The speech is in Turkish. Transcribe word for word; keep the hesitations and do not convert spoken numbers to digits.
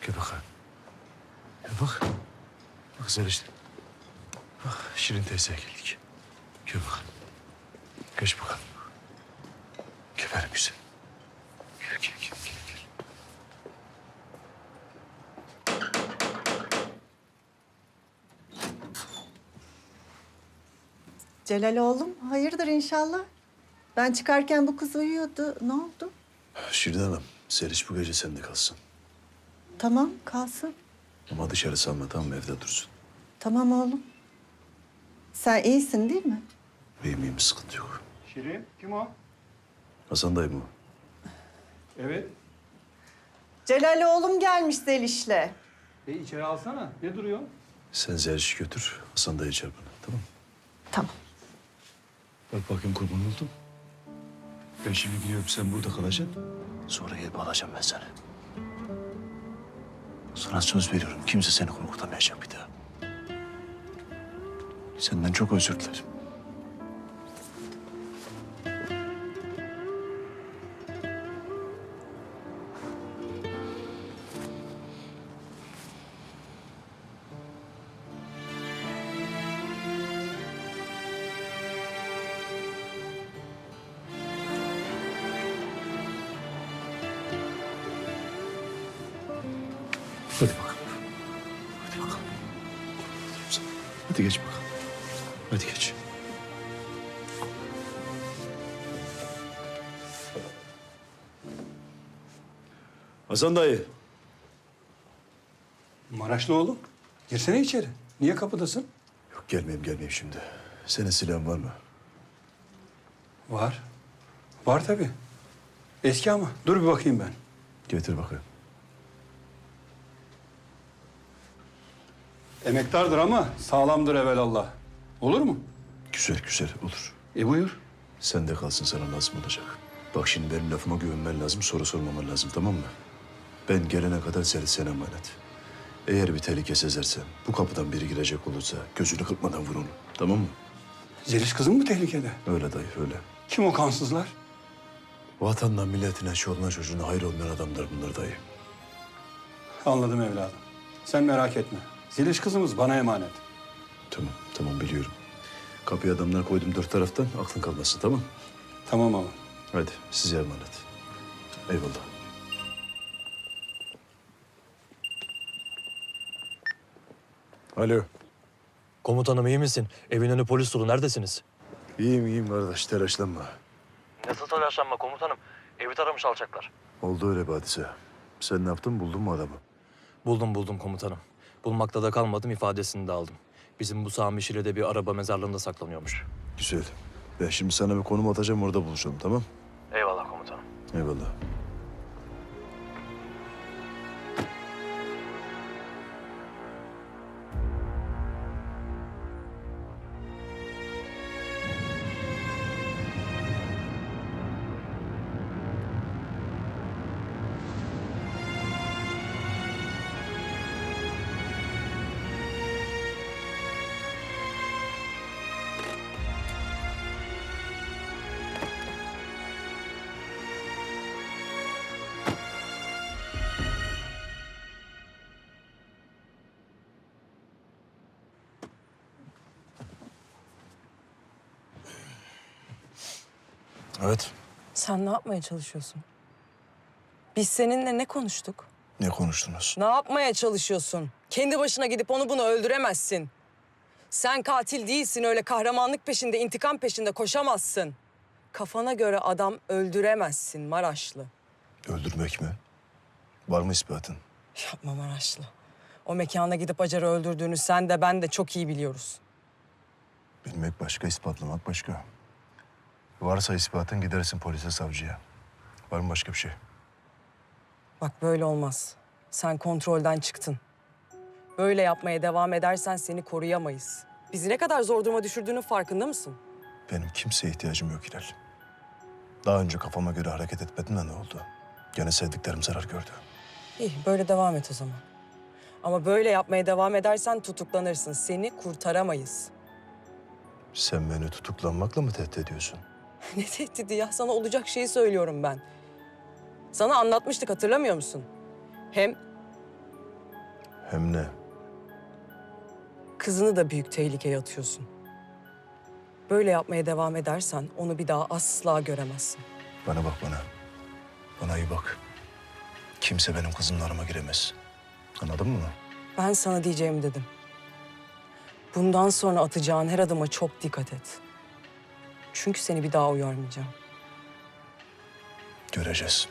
Gel bakalım. Gel bak. Bak Zeliş. Bak Şirin teyzeye geldik. Gel bakalım. Geç bakalım. Gel benim güzel. Gel gel gel gel. gel. Celal oğlum, hayırdır inşallah? Ben çıkarken bu kız uyuyordu. Ne oldu? Şirin Hanım, Zeliş bu gece sende kalsın. Tamam, kalsın. Ama dışarı salma, tamam mı? Evde dursun. Tamam oğlum. Sen iyisin değil mi? Benim iyiyim, sıkıntı yok. Şirin, kim o? Hasan dayı mı o? Evet. Celal oğlum gelmiş Zeliş'le. E içeri alsana. Ne duruyor? Sen Zeliş'i götür, Hasan dayı çağır bana, tamam mı? Tamam. Bak bakayım kurban oldum. Ben şimdi biliyorum sen burada kalacaksın. Sonra gelip alacağım ben seni. Sana söz veriyorum kimse seni korkutamayacak bir daha. Senden çok özür dilerim. Hadi bakalım. Hadi bakalım. Hadi geç bakalım. Hadi geç. Hasan dayı. Maraşlı oğlum. Girsene içeri. Niye kapıdasın? Yok gelmeyeyim gelmeyeyim şimdi. Senin silahın var mı? Var. Var tabii. Eski ama. Dur bir bakayım ben. Getir bakayım. Emektardır ama sağlamdır evelallah. Olur mu? Güzel güzel olur. E buyur. Sen de kalsın sana lazım olacak. Bak şimdi benim lafıma güvenmen lazım, soru sormaman lazım tamam mı? Ben gelene kadar seni sana emanet. Eğer bir tehlike sezersen, bu kapıdan biri girecek olursa gözünü kırpmadan vur onu. Tamam mı? Zeliş kızın mı tehlikede? Öyle dayı öyle. Kim o kansızlar? Vatanına, milletine, çoluğuna, çocuğuna hayır olmayan adamlar bunlar dayı. Anladım evladım. Sen merak etme. Zeliş kızımız bana emanet. Tamam, tamam biliyorum. Kapıya adamlar koydum dört taraftan, aklın kalmasın tamam. Tamam ama. Hadi size emanet. Eyvallah. Alo. Komutanım iyi misin? Evin önü polis dolu. Neredesiniz? İyiyim iyiyim kardeş, telaşlanma. Nasıl telaşlanma komutanım? Evi taramış alçaklar. Oldu öyle bir hadise. Sen ne yaptın, buldun mu adamı? Buldum buldum komutanım. Bulmakta da kalmadım, ifadesini de aldım. Bizim bu Sami Şile'de bir araba mezarlığında saklanıyormuş. Güzel. Ben şimdi sana bir konum atacağım, orada buluşalım tamam? Eyvallah komutanım. Eyvallah. Evet. Sen ne yapmaya çalışıyorsun? Biz seninle ne konuştuk? Ne konuştunuz? Ne yapmaya çalışıyorsun? Kendi başına gidip onu bunu öldüremezsin. Sen katil değilsin, öyle kahramanlık peşinde, intikam peşinde koşamazsın. Kafana göre adam öldüremezsin Maraşlı. Öldürmek mi? Var mı ispatın? Yapma Maraşlı. O mekana gidip Acar'ı öldürdüğünü sen de ben de çok iyi biliyoruz. Bilmek başka, ispatlamak başka. Varsa ispatın gidersin polise, savcıya. Var mı başka bir şey? Bak böyle olmaz. Sen kontrolden çıktın. Böyle yapmaya devam edersen seni koruyamayız. Bizi ne kadar zor duruma düşürdüğünün farkında mısın? Benim kimseye ihtiyacım yok Hilal. Daha önce kafama göre hareket etmedim de ne oldu? Gene sevdiklerim zarar gördü. İyi, böyle devam et o zaman. Ama böyle yapmaya devam edersen tutuklanırsın. Seni kurtaramayız. Sen beni tutuklanmakla mı tehdit ediyorsun? Ne tehdidi ya? Sana olacak şeyi söylüyorum ben. Sana anlatmıştık, hatırlamıyor musun? Hem Hem ne? Kızını da büyük tehlikeye atıyorsun. Böyle yapmaya devam edersen onu bir daha asla göremezsin. Bana bak bana. Bana iyi bak. Kimse benim kızımla arama giremez. Anladın mı? Ben sana diyeceğimi dedim. Bundan sonra atacağın her adıma çok dikkat et. Çünkü seni bir daha uyarmayacağım. Göreceğiz.